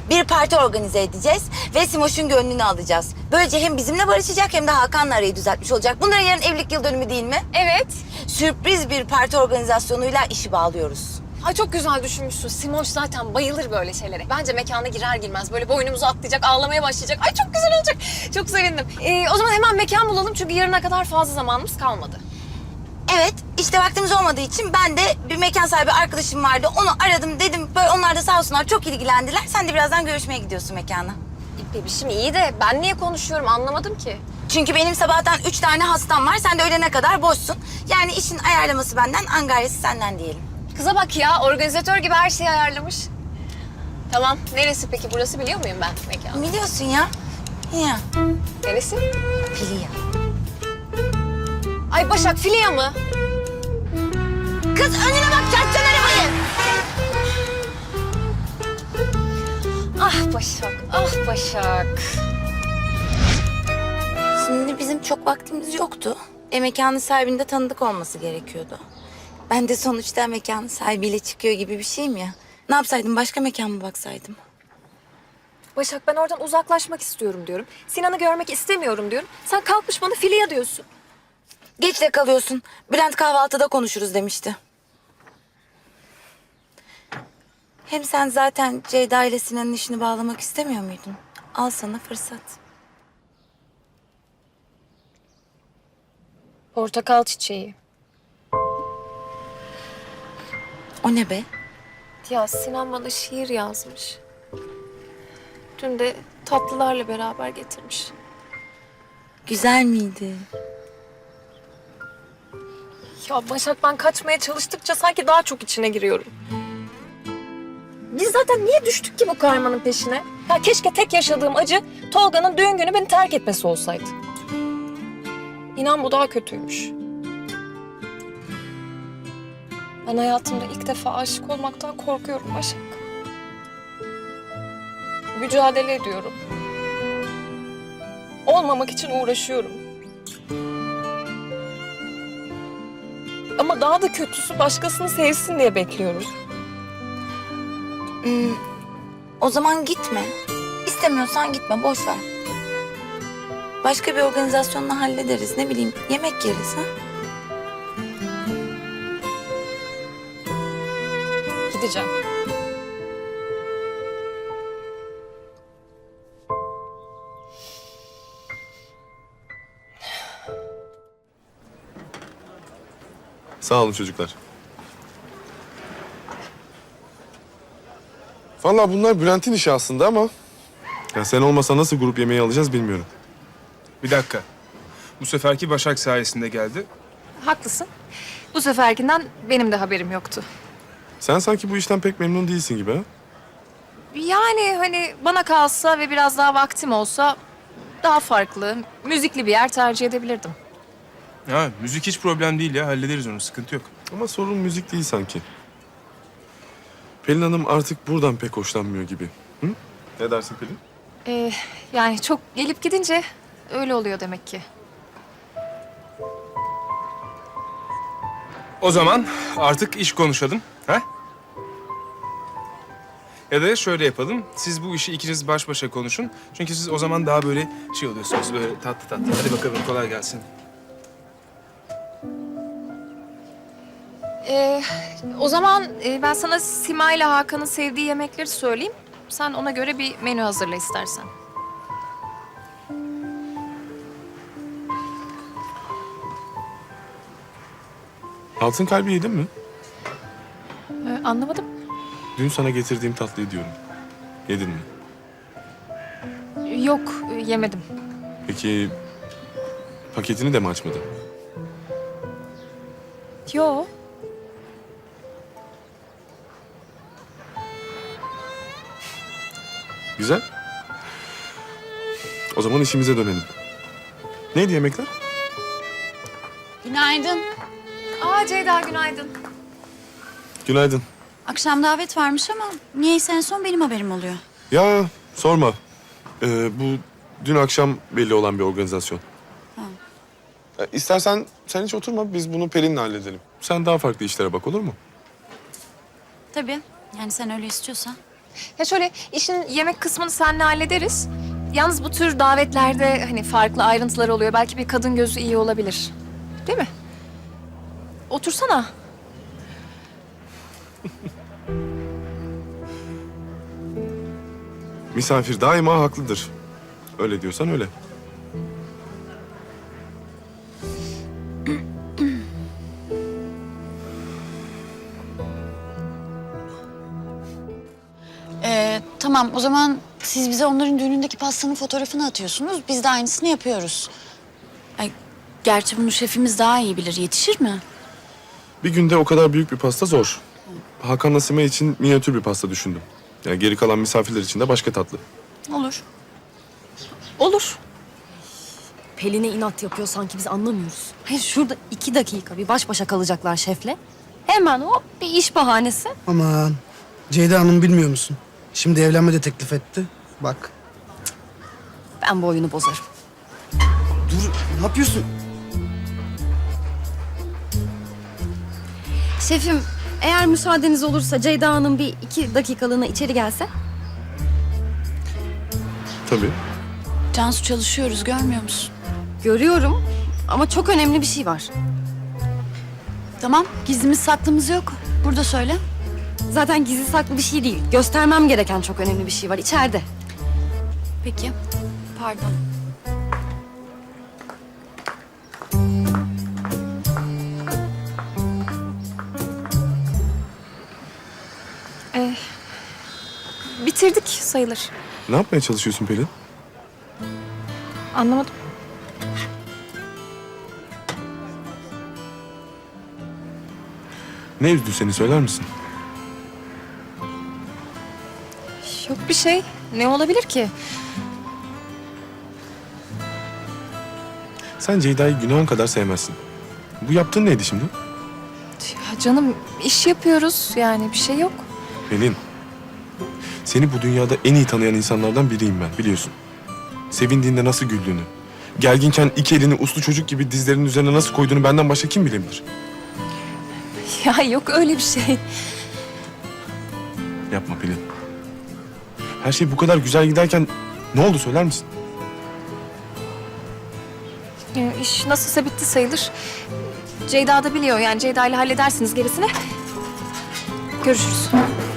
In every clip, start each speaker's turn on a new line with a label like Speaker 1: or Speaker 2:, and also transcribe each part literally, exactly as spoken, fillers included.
Speaker 1: Bir parti organize edeceğiz ve Simoş'un gönlünü alacağız. Böylece hem bizimle barışacak hem de Hakan'la arayı düzeltmiş olacak. Bunların yarın evlilik yıl dönümü değil mi?
Speaker 2: Evet.
Speaker 1: Sürpriz bir parti organizasyonuyla işi bağlıyoruz.
Speaker 2: Ay çok güzel düşünmüşsün. Simoş zaten bayılır böyle şeylere. Bence mekana girer girmez böyle boynumuzu atlayacak, ağlamaya başlayacak. Ay çok güzel olacak. Çok sevindim. Ee, o zaman hemen mekan bulalım çünkü yarına kadar fazla zamanımız kalmadı.
Speaker 1: Evet, işte vaktimiz olmadığı için ben de bir mekan sahibi arkadaşım vardı. Onu aradım, dedim. Böyle onlar da sağ olsunlar çok ilgilendiler. Sen de birazdan görüşmeye gidiyorsun mekana.
Speaker 2: Bebişim iyi de ben niye konuşuyorum anlamadım ki.
Speaker 1: Çünkü benim sabahtan üç tane hastam var. Sen de öğlene kadar boşsun. Yani işin ayarlaması benden, angaryası senden diyelim.
Speaker 2: Kıza bak ya, organizatör gibi her şeyi ayarlamış. Tamam, neresi peki? Burası biliyor muyum ben mekanı?
Speaker 1: Biliyorsun ya. Ya.
Speaker 2: Neresi?
Speaker 1: Filia.
Speaker 2: Ay Başak, Filia mı?
Speaker 1: Kız önüne bak, çarpacağın arabayı.
Speaker 2: Ah Başak, ah Başak.
Speaker 1: Şimdi bizim çok vaktimiz yoktu. E mekanın sahibinin de tanıdık olması gerekiyordu. Ben de sonuçta mekanın sahibiyle çıkıyor gibi bir şeyim ya. Ne yapsaydım, başka mekan mı baksaydım?
Speaker 2: Başak ben oradan uzaklaşmak istiyorum diyorum. Sinan'ı görmek istemiyorum diyorum. Sen kalkmış bana Filia diyorsun.
Speaker 1: Geç de kalıyorsun. Bülent kahvaltıda konuşuruz demişti. Hem sen zaten Ceyda ile Sinan'ın işini bağlamak istemiyor muydun? Al sana fırsat.
Speaker 2: Portakal çiçeği.
Speaker 1: O ne be?
Speaker 2: Ya Sinan bana şiir yazmış. Dün de tatlılarla beraber getirmiş.
Speaker 1: Güzel miydi?
Speaker 2: Ya Başak ben kaçmaya çalıştıkça sanki daha çok içine giriyorum. Biz zaten niye düştük ki bu karmanın peşine? Ya keşke tek yaşadığım acı Tolga'nın düğün günü beni terk etmesi olsaydı. İnan bu daha kötüymüş. Ben hayatımda ilk defa aşık olmaktan korkuyorum Başak. Mücadele ediyorum. Olmamak için uğraşıyorum. Ama daha da kötüsü başkasını sevsin diye bekliyorum.
Speaker 1: Hmm, o zaman gitme. İstemiyorsan gitme, boş ver. Başka bir organizasyonla hallederiz. Ne bileyim, yemek yeriz ha?
Speaker 2: Gideceğim.
Speaker 3: Sağ olun çocuklar. Vallahi bunlar Bülent'in işi aslında ama... Ya sen olmasa nasıl grup yemeği alacağız bilmiyorum.
Speaker 4: Bir dakika. Bu seferki Başak sayesinde geldi.
Speaker 2: Haklısın. Bu seferkinden benim de haberim yoktu.
Speaker 3: Sen sanki bu işten pek memnun değilsin gibi ha?
Speaker 2: Yani hani bana kalsa ve biraz daha vaktim olsa daha farklı, müzikli bir yer tercih edebilirdim.
Speaker 4: Ha, müzik hiç problem değil ya. Hallederiz onu. Sıkıntı yok.
Speaker 3: Ama sorun müzik değil sanki. Pelin Hanım artık buradan pek hoşlanmıyor gibi. Hı? Ne dersin Pelin?
Speaker 2: Ee, yani çok gelip gidince öyle oluyor demek ki.
Speaker 4: O zaman artık iş konuşalım. Ha? Ya da şöyle yapalım. Siz bu işi ikiniz baş başa konuşun. Çünkü siz o zaman daha böyle şey oluyorsunuz. Böyle tatlı tatlı. Hadi bakalım kolay gelsin.
Speaker 2: Ee, o zaman e, ben sana Sima ile Hakan'ın sevdiği yemekleri söyleyeyim. Sen ona göre bir menü hazırla istersen.
Speaker 3: Altın kalbi yedin mi?
Speaker 2: Ee, anlamadım.
Speaker 3: Dün sana getirdiğim tatlıyı diyorum. Yedin mi?
Speaker 2: Yok, e, yemedim.
Speaker 3: Peki paketini de mi açmadın?
Speaker 2: Yo.
Speaker 3: Güzel. O zaman işimize dönelim. Neydi yemekler?
Speaker 5: Günaydın.
Speaker 2: Aa Ceyda günaydın.
Speaker 3: Günaydın.
Speaker 5: Akşam davet varmış ama niyeyse en son benim haberim oluyor.
Speaker 3: Ya sorma. Ee, bu dün akşam belli olan bir organizasyon.
Speaker 5: Ha.
Speaker 3: Ee, İstersen sen hiç oturma, biz bunu Pelin'le halledelim. Sen daha farklı işlere bak, olur mu?
Speaker 5: Tabii. Yani sen öyle istiyorsan.
Speaker 2: Ya şöyle işin yemek kısmını seninle hallederiz. Yalnız bu tür davetlerde hani farklı ayrıntılar oluyor. Belki bir kadın gözü iyi olabilir. Değil mi? Otursana.
Speaker 3: Misafir daima haklıdır. Öyle diyorsan öyle.
Speaker 5: Ee, tamam o zaman siz bize onların düğünündeki pastanın fotoğrafını atıyorsunuz. Biz de aynısını yapıyoruz. Ay, gerçi bunu şefimiz daha iyi bilir. Yetişir mi?
Speaker 3: Bir günde o kadar büyük bir pasta zor. Hakan'la Simay için minyatür bir pasta düşündüm. Yani geri kalan misafirler için de başka tatlı.
Speaker 5: Olur.
Speaker 2: Olur.
Speaker 6: Pelin'e inat yapıyor sanki biz anlamıyoruz. Hayır şurada iki dakika bir baş başa kalacaklar şefle. Hemen o bir iş bahanesi.
Speaker 7: Aman Ceyda Hanım bilmiyor musun? Şimdi evlenme de teklif etti. Bak.
Speaker 6: Ben bu oyunu bozarım.
Speaker 7: Dur ne yapıyorsun?
Speaker 6: Şefim eğer müsaadeniz olursa Ceyda Hanım bir iki dakikalığına içeri gelse.
Speaker 3: Tabii.
Speaker 5: Cansu çalışıyoruz görmüyor musun?
Speaker 6: Görüyorum ama çok önemli bir şey var.
Speaker 5: Tamam gizlimiz saklımız yok. Burada söyle.
Speaker 6: Zaten gizli saklı bir şey değil. Göstermem gereken çok önemli bir şey var içeride.
Speaker 5: Peki. Pardon.
Speaker 2: Bitirdik sayılır.
Speaker 3: Ne yapmaya çalışıyorsun Pelin?
Speaker 2: Anlamadım.
Speaker 3: Ne üzdü seni söyler misin?
Speaker 2: Yok bir şey. Ne olabilir ki?
Speaker 3: Sen Ceyda'yı günahın kadar sevmezsin. Bu yaptığın neydi şimdi?
Speaker 2: Ya canım iş yapıyoruz yani bir şey yok.
Speaker 3: Pelin. Seni bu dünyada en iyi tanıyan insanlardan biriyim ben biliyorsun. Sevindiğinde nasıl güldüğünü, gerginken iki elini uslu çocuk gibi dizlerinin üzerine nasıl koyduğunu benden başka kim bilebilir?
Speaker 2: Ya yok öyle bir şey.
Speaker 3: Yapma Pelin. Her şey bu kadar güzel giderken ne oldu söyler misin?
Speaker 2: Ya, iş nasılsa bitti sayılır. Ceyda da biliyor yani Ceyda ile halledersiniz gerisini. Görüşürüz.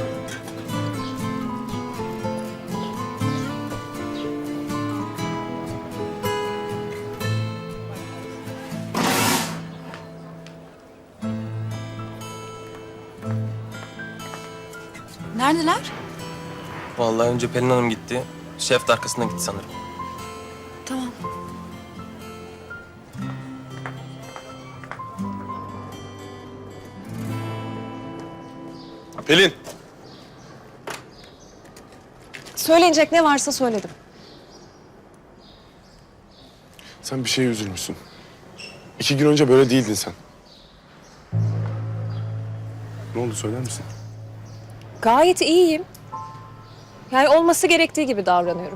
Speaker 5: Neredeler?
Speaker 8: Vallahi önce Pelin Hanım gitti. Şef de arkasından gitti sanırım.
Speaker 5: Tamam.
Speaker 3: Pelin!
Speaker 2: Söyleyecek ne varsa söyledim.
Speaker 3: Sen bir şeye üzülmüşsün. İki gün önce böyle değildin sen. Ne oldu söyler misin?
Speaker 2: Gayet iyiyim. Yani olması gerektiği gibi davranıyorum.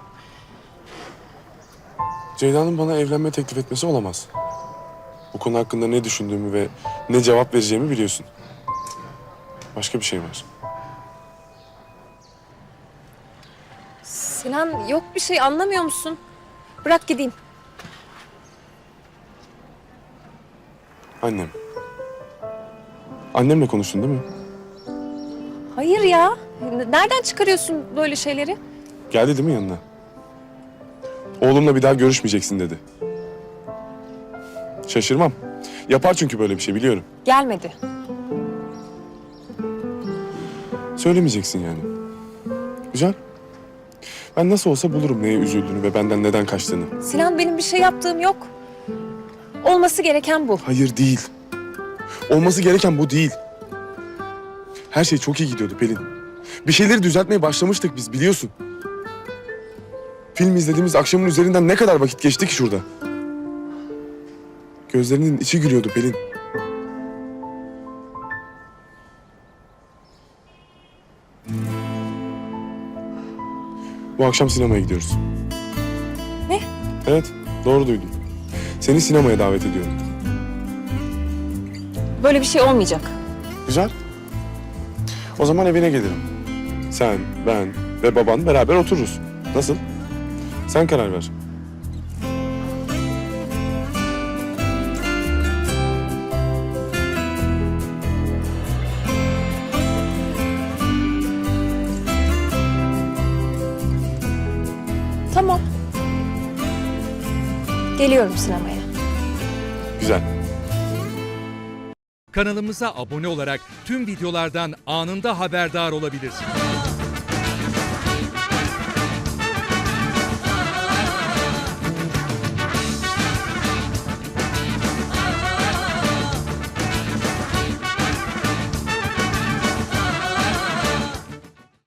Speaker 3: Ceyda'nın bana evlenme teklif etmesi olamaz. Bu konu hakkında ne düşündüğümü ve ne cevap vereceğimi biliyorsun. Başka bir şey var.
Speaker 2: Sinan yok bir şey anlamıyor musun? Bırak gideyim.
Speaker 3: Annem. Annemle konuştun değil mi?
Speaker 2: Hayır ya. Nereden çıkarıyorsun böyle şeyleri?
Speaker 3: Geldi değil mi yanına? Oğlumla bir daha görüşmeyeceksin dedi. Şaşırmam. Yapar çünkü böyle bir şey biliyorum.
Speaker 2: Gelmedi.
Speaker 3: Söylemeyeceksin yani. Güzel. Ben nasıl olsa bulurum neye üzüldüğünü ve benden neden kaçtığını.
Speaker 2: Sinan benim bir şey yaptığım yok. Olması gereken bu.
Speaker 3: Hayır değil. Olması gereken bu değil. Her şey çok iyi gidiyordu Pelin. Bir şeyleri düzeltmeye başlamıştık biz biliyorsun. Film izlediğimiz akşamın üzerinden ne kadar vakit geçti ki şurada. Gözlerinin içi gülüyordu Pelin. Bu akşam sinemaya gidiyoruz.
Speaker 2: Ne?
Speaker 3: Evet, doğru duydun. Seni sinemaya davet ediyorum.
Speaker 2: Böyle bir şey olmayacak.
Speaker 3: Güzel. O zaman evine gelirim. Sen, ben ve baban beraber otururuz. Nasıl? Sen karar ver.
Speaker 2: Tamam. Geliyorum sinemaya.
Speaker 3: Güzel.
Speaker 9: Kanalımıza abone olarak tüm videolardan anında haberdar olabilirsiniz.